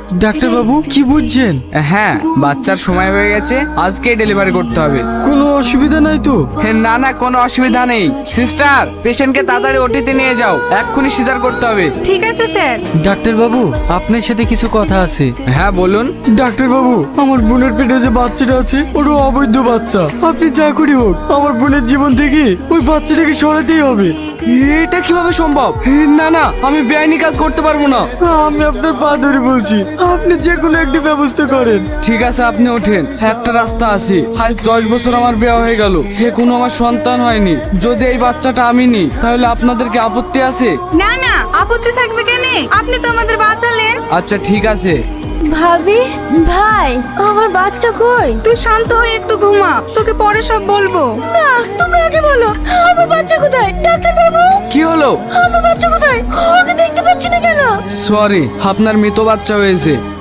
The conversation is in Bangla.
ডাক্তার বাবু কি বুঝছেন? হ্যাঁ, বাচ্চার সময় হয়ে গেছে, আজকেই ডেলিভারি করতে হবে। কোনো অসুবিধা নাই তো? না না, কোনো অসুবিধা নেই। সিস্টার, পেশেন্টকে তাড়াতাড়ি ওটিতে নিয়ে যাও, এক্ষুনি সিজার করতে হবে। ঠিক আছে স্যার। ডাক্তার বাবু আপনার সাথে কিছু কথা আছে। হ্যাঁ বলুন। ডাক্তার বাবু, আমার বোনের পেটে যে বাচ্চাটা আছে ওটা অবৈধ বাচ্চা। আপনি যা করি হোক আমার বোনের জীবন থেকে ওই বাচ্চাটাকে সরাতেই হবে। এটা কিভাবে সম্ভব? না না, আমি বেআইনি কাজ করতে পারবো না। আমি আপনার পা ধরে বলছি, আপনি যে কোনো একটি ব্যবস্থা করেন। ঠিক আছে, আপনি ওঠেন। একটা রাস্তা আছে। আজ 10 বছর আমার বিয়ে হয়ে গেল, কোনো আমার সন্তান হয়নি। যদি এই বাচ্চাটা আমি নিই তাহলে আপনাদের কি আপত্তি আছে? না না, আপত্তি থাকবে কেন? আপনি তো আমাদের বাঁচালেন। আচ্ছা ঠিক আছে। ভাবি, ভাই, আমার বাচ্চা কই? তুই শান্ত হয়ে একটু ঘুমা, তোকে পরে সব বলবো। না, তুমি আগে বলো, আমার বাচ্চা কোথায়? ডাক্তার বাবু, কি হলো? আমার বাচ্চা কোথায়? ওকে দেখতে পাচ্ছি না কেন? সরি, আপনার মৃত বাচ্চা হয়েছে।